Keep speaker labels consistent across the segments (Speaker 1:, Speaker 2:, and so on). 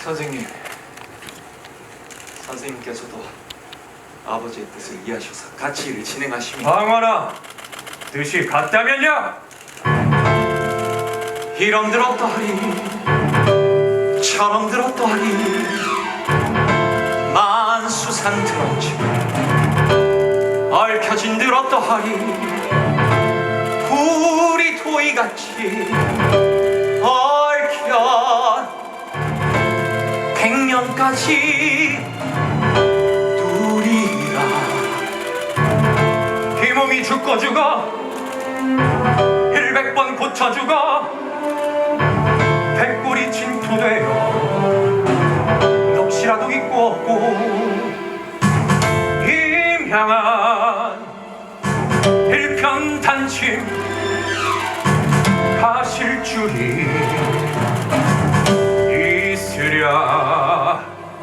Speaker 1: 선생님, 선생님께서도 아버지의 뜻을 이해하셔서 같이 일을 진행하시면
Speaker 2: 방언아, 뜻이 같다면요?
Speaker 1: 이런 들었다 하리 저런 들었다 하리 만수산 들었지 얽혀진 들었다 하리 우리 도이같이 얽혀 100년까지 누리라.
Speaker 2: 이 몸이 죽고 죽어 100번 고쳐 죽어 백골이 진토되어 넋이라도 있고 없고 임향한 일편단심 가실 줄이 있으랴.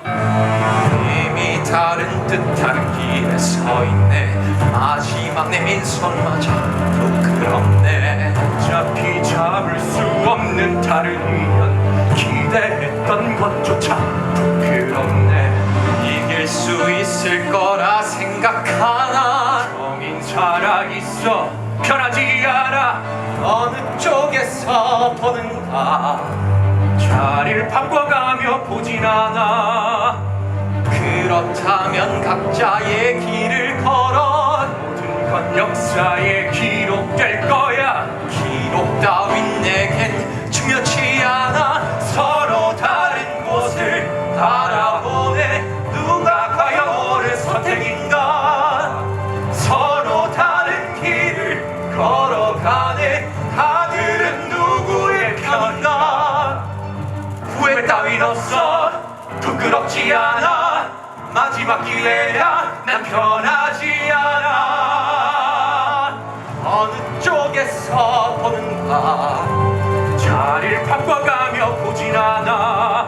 Speaker 1: 이미 다른 뜻한 길에 서 있네. 마지막 내 민선마저 부끄럽네.
Speaker 2: 어차피 잡을 수 없는 다른 인연 기대했던 것조차 부끄럽네.
Speaker 1: 이길 수 있을 거라 생각하나
Speaker 2: 정인 살아있어 편하지 않아.
Speaker 1: 어느 쪽에서 보는가
Speaker 2: 자리를 바꿔가며 보진 않아.
Speaker 1: 그렇다면 각자의 길을 걸어
Speaker 2: 모든 건 역사에 기록될 거야.
Speaker 1: 기록 따윈 내겐 중요치 않아. 서로 다른 곳을 바라보네. 누가 과연 옳은 선택인가. 서로 다른 길을 걸어가네. 다들은 누구의 편인가. 후회 따윈 없어. 부끄럽지 않아. 마지막 기회야. 난 편하지 않아. 어느 쪽에서 보는가.
Speaker 2: 자리를 바꿔가며 보진 않아.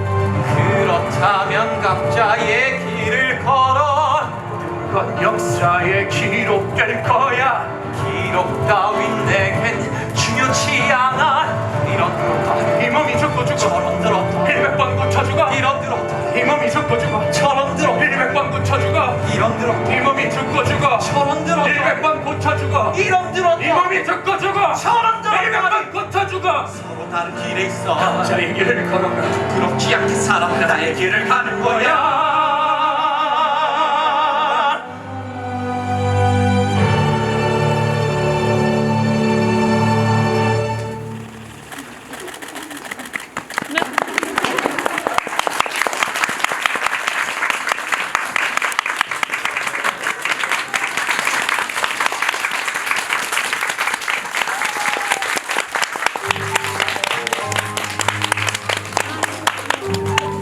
Speaker 1: 그렇다면 각자의 길을 걸어
Speaker 2: 그건 역사에 기록될 거야.
Speaker 1: 기록 따윈 내겐 중요치 않아. 이런 들었다
Speaker 2: 이 몸이 죽고 죽어
Speaker 1: 저런 들었다
Speaker 2: 100번 고쳐 죽어.
Speaker 1: 이런 들었다
Speaker 2: 이 몸이 죽고 죽어
Speaker 1: 저런 들었다
Speaker 2: 100번 고쳐 죽어.
Speaker 1: 이런 들었다
Speaker 2: 이 몸이 죽고 죽어
Speaker 1: 저런 들었다
Speaker 2: 100번 고쳐 죽어.
Speaker 1: 이런 들었다
Speaker 2: 이 몸이 죽고 죽어
Speaker 1: 저런 들었다
Speaker 2: 100번 고쳐 죽어.
Speaker 1: 서로 다른 길에 있어
Speaker 2: 각자의 길을 걸어가
Speaker 1: 부끄럽지 않게 살아 나의 길을 가는 거야.